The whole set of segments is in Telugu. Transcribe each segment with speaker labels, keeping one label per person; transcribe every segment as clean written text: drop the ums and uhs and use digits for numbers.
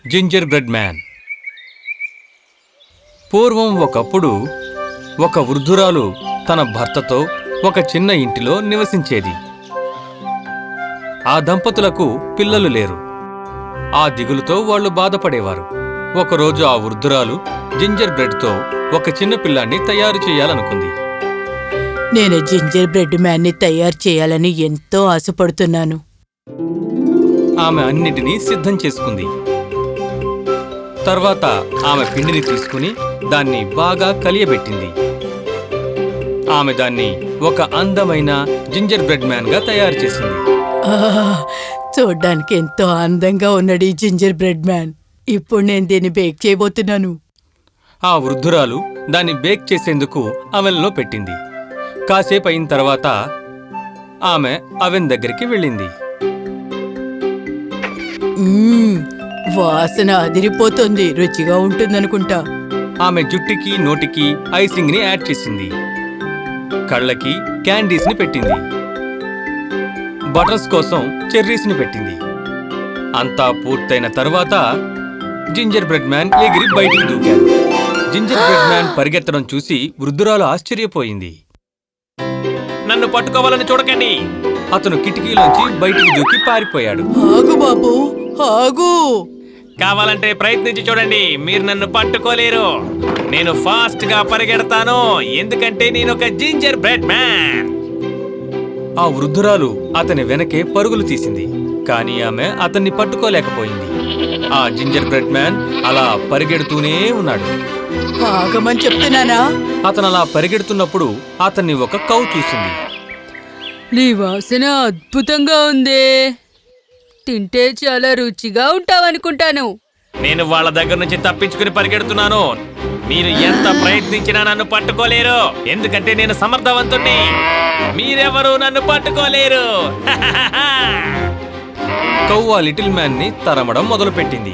Speaker 1: Ginger gingerbread man. పూర్వం ఒకప్పుడు ఒక వృద్ధురాలు తన భర్తతో ఒక చిన్న ఇంటిలో నివసించేది. ఆ దంపతులకు పిల్లలు లేరు. ఆ దిగులుతో వాళ్లు బాధపడేవారు. ఒకరోజు ఆ వృద్ధురాలు జింజర్ బ్రెడ్తో ఒక చిన్న పిల్లాన్ని తయారు చేయాలనుకుంది.
Speaker 2: నేను జింజర్ బ్రెడ్ మ్యాన్ని తయారు చేయాలని ఎంతో ఆశపడుతున్నాను.
Speaker 1: ఆమె అన్నిటినీ సిద్ధం చేసుకుంది. తర్వాత ఆమె పిండిని తీసుకుని దాన్ని బాగా కలియబెట్టింది. ఆమె దాన్ని ఒక అందమైన జింజర్ బ్రెడ్ మ్యాన్గా తయారు చేసింది.
Speaker 2: చూడ్డానికి ఎంతో అందంగా ఉన్నాడు ఈ జింజర్ బ్రెడ్ మ్యాన్. ఇప్పుడు నేను దీన్ని బేక్ చేయబోతున్నాను.
Speaker 1: ఆ వృద్ధురాలు దాన్ని బేక్ చేసేందుకు అవెన్లో పెట్టింది. కాసేపు అయిన తర్వాత ఆమె అవెన్ దగ్గరికి వెళ్ళింది.
Speaker 2: వాసన అదిరిపోతుంది. రుచిగా ఉంటుందనుకుంటా.
Speaker 1: ఆమె జుట్టుకి నోటికి ఐసింగ్ ని యాడ్ చేసింది. కళ్ళకి క్యాండీస్ ని పెట్టింది. బటర్స్ కోసం చెర్రీస్ ని పెట్టింది. అంతా పూర్తయిన తర్వాత జింజర్ బ్రెడ్ మ్యాన్ ఎగిరి బయటికి దూకాడు. జింజర్ బ్రెడ్ మ్యాన్ పరిగెత్తడం చూసి వృద్ధురాలు ఆశ్చర్యపోయింది. నన్ను పట్టుకోవాలని చూడకండి! అతను కిటికీలోంచి బయటికి దూకి పారిపోయాడు.
Speaker 2: ఆగు బాబు, ఆగు!
Speaker 1: కావాలంటే ప్రయత్నించి చూడండి, మీరు నన్ను పట్టుకోలేరు. నేను ఫాస్ట్ గా పరిగెడతాను, ఎందుకంటే నేను ఒక జింజర్ బ్రెడ్ మ్యాన్. ఆ వృద్ధురాలు అతని వెనకే పరుగులు తీసింది, కానీ ఆమె అతన్ని పట్టుకోలేకపోయింది. ఆ జింజర్ బ్రెడ్ మ్యాన్ అలా పరిగెడుతూనే ఉన్నాడు.
Speaker 2: ఆగమని చెప్తున్నానా?
Speaker 1: అతను అలా పరిగెడుతున్నప్పుడు అతన్ని ఒక కౌ చూసింది.
Speaker 3: నీ వాసన అద్భుతంగా ఉందే. తింటే చాలా రుచిగా ఉంటావనుకుంటాను.
Speaker 1: నేను వాళ్ళ దగ్గర నుంచి తప్పించుకుని పరిగెడుతున్నాను. మీరు ఎంత ప్రయత్నించినా నన్ను పట్టుకోలేరు, ఎందుకంటే నేను సమర్థవంతుణ్ణి. మీరెవరూ నన్ను పట్టుకోలేరు. కౌ ఆ లిటిల్ మ్యాన్ ని తరమడం మొదలుపెట్టింది.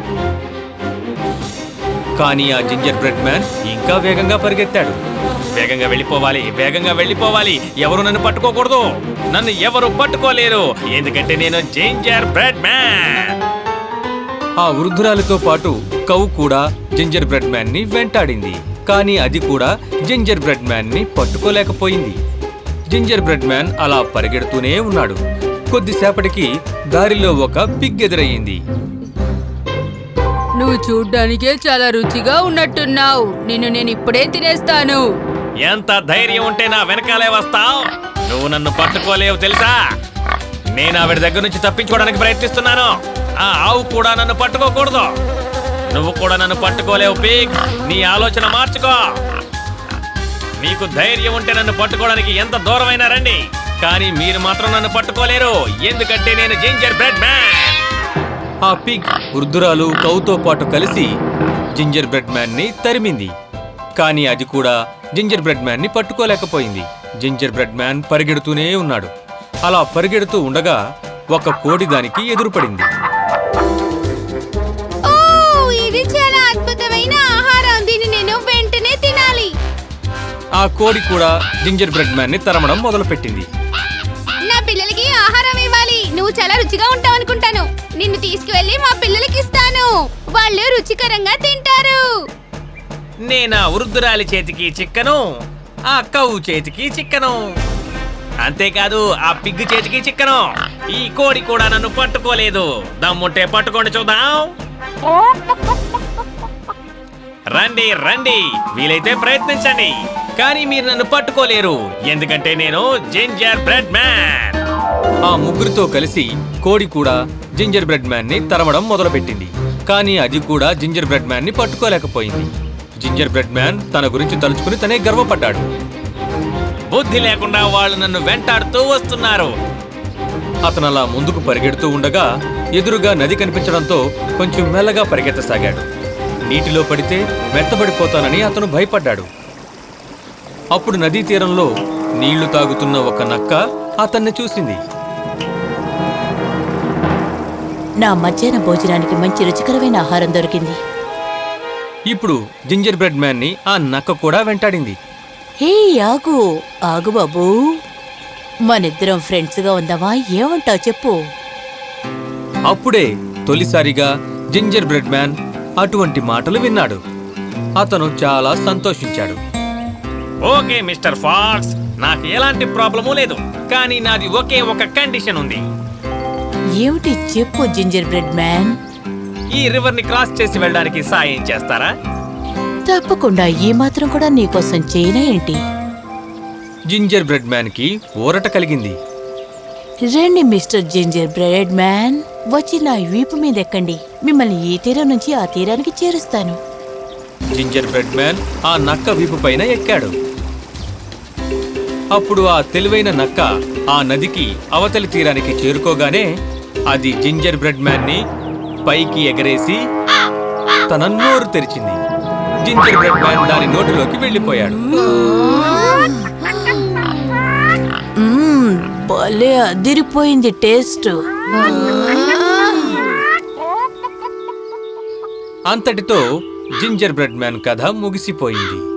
Speaker 1: కానీ ఆ జింజర్ బ్రెడ్ మ్యాన్ ఇంకా వేగంగా పరిగెత్తాడు. వేగంగా వెళ్ళిపోవాలి, వేగంగా వెళ్ళిపోవాలి. ఎవరు నన్ను పట్టుకోకూడదు. నన్ను ఎవరు పట్టుకోలేరు, ఎందుకంటే నేను జింజర్ బ్రెడ్ మ్యాన్. ఆ వృద్ధురాలితో పాటు కౌ కూడా జింజర్ బ్రెడ్ మ్యాన్ ని వెంటాడింది. కానీ అది కూడా జింజర్ బ్రెడ్ మ్యాన్ ని పట్టుకోలేకపోయింది. జింజర్ బ్రెడ్ మ్యాన్ అలా పరిగెడుతూనే ఉన్నాడు. కొద్దిసేపటికి దారిలో ఒక పిగ్ ఎదురయ్యింది.
Speaker 3: నువ్వు చూడ్డానికే చాలా రుచిగా ఉన్నట్టున్నావు. నేను ఇప్పుడే తినేస్తాను.
Speaker 1: ఎంత ధైర్యం ఉంటే నా వెనకాలే వస్తావు? నువ్వు నన్ను పట్టుకోలేవు తెలుసా? నేను ఆవిడ దగ్గర నుంచి తప్పించుకోవడానికి ప్రయత్నిస్తున్నాను. ఆ ఆవు కూడా నన్ను పట్టుకోకూడదు. నువ్వు కూడా నన్ను పట్టుకోలేవు పిగ్. నీ ఆలోచన మార్చుకో. మీకు ధైర్యం ఉంటే నన్ను పట్టుకోవడానికి ఎంత దూరమైనా రండి, కానీ మీరు మాత్రం నన్ను పట్టుకోలేరు, ఎందుకంటే నేను జింజర్ బ్రెడ్ మ్యాన్. ఆ పిగ్ వృద్ధురాలు కౌతో పాటు కలిసి జింజర్ బ్రెడ్ మ్యాన్ ని తరిమింది. కానీ అది కూడా జింజర్ బ్రెడ్ మ్యాన్ ని పట్టుకోలేకపోయింది. జింజర్ బ్రెడ్ మ్యాన్ పరిగెడుతూనే ఉన్నాడు. అలా పరిగెడుతూ ఉండగా ఒక కోడి దానికి ఎదురుపడింది.
Speaker 4: ఇది చాలా అద్భుతమైన ఆహారం, దీన్ని నేను వెంటనే తినాలి.
Speaker 1: ఆ కోడి కూడా జింజర్ బ్రెడ్ మ్యాన్ ని తరమడం మొదలుపెట్టింది.
Speaker 4: నా పిల్లలకి ఆహారం ఇవ్వాలి. నువ్వు చాలా రుచిగా ఉంటావు అనుకుంటాను. నిన్ను తీసుకువెళ్ళి మా పిల్లలకి ఇస్తాను. వాళ్ళు రుచికరంగా తింటారు.
Speaker 1: నేను ఆ వృద్ధురాలి చేతికి చిక్కను, ఆ కౌ చేతికి చిక్కను, అంతేకాదు ఆ పిగ్గు చేతికి చిక్కను. ఈ కోడి కూడా నన్ను పట్టుకోలేదు. దమ్ముంటే పట్టుకోండి చూద్దాం. రండి రండి, వీలైతే ప్రయత్నించండి, కానీ మీరు నన్ను పట్టుకోలేరు, ఎందుకంటే నేను జింజర్ బ్రెడ్ మ్యాన్. ఆ ముగ్గురితో కలిసి కోడి కూడా జింజర్ బ్రెడ్ మ్యాన్ ని తరమడం మొదలుపెట్టింది. కానీ అది కూడా జింజర్ బ్రెడ్ మ్యాన్ ని పట్టుకోలేకపోయింది. జింజర్ బ్రెడ్ మ్యాన్ తన గురించి తలుచుకుని తనే గర్వపడ్డాడు. బుద్ధి లేకుండా వాళ్ళు నన్ను వెంటాడుతూ వస్తున్నారు. అతను అలా ముందుకు పరిగెడుతూ ఉండగా ఎదురుగా నది కనిపించడంతో కొంచెం మెల్లగా పరిగెత్తసాగాడు. నీటిలో పడితే మెత్తబడిపోతానని అతను భయపడ్డాడు. అప్పుడు నదీ తీరంలో నీళ్లు తాగుతున్న ఒక నక్క అతన్ని చూసింది.
Speaker 2: నా మధ్యాహ్న భోజనానికి మంచి రుచికరమైన ఆహారం దొరికింది.
Speaker 1: ఇప్పుడు జింజర్ బ్రెడ్ మ్యాన్ ని ఆ నక్క కూడా వెంటాడింది.
Speaker 2: హే ఆగు, ఆగు బాబూ, మనిద్దరం ఫ్రెండ్స్ గా ఉందామా? ఏమంటావు చెప్పు.
Speaker 1: అప్పుడే తొలిసారిగా జింజర్ బ్రెడ్ మ్యాన్ అటువంటి మాటలు విన్నాడు. అతను చాలా సంతోషించాడు. ఓకే మిస్టర్ ఫాక్స్, నాకు ఎలాంటి ప్రాబ్లము లేదు, కానీ నాది ఒకే ఒక కండిషన్ ఉంది.
Speaker 2: ఏమిటి చెప్పు జింజర్ బ్రెడ్ మ్యాన్.
Speaker 1: ఈ రివర్ ని క్రాస్ చేసి వెళ్ళడానికి సాయం చేస్తారా?
Speaker 2: తప్పకుండా, ఈ మాత్రం కూడా నీకోసం చేయనా ఏంటి?
Speaker 1: జింజర్ బ్రెడ్ మ్యాన్ కి ఊరట కలిగింది.
Speaker 2: రండి మిస్టర్ జింజర్ బ్రెడ్ మ్యాన్, వచ్చి నా వీపు మీద ఎక్కండి. మిమ్మల్ని ఈ తీరం నుంచి ఆ తీరానికి చేరుస్తాను.
Speaker 1: జింజర్ బ్రెడ్ మ్యాన్ ఆ నక్క వీపు పైన ఎక్కాడు. అప్పుడు ఆ తెలివైన నక్క ఆ నదికి అవతలి తీరానికి చేరుకోగానే అది జింజర్ బ్రెడ్ మ్యాన్ ని పైకి ఎగరేసి తన నోరు తెరిచింది. జింజర్ బ్రెడ్ మ్యాన్ దాని నోటిలోకి వెళ్ళిపోయాడు.
Speaker 2: భలే అదిరిపోయింది టేస్ట్.
Speaker 1: అంతటితో జింజర్ బ్రెడ్ మ్యాన్ కథ ముగిసిపోయింది.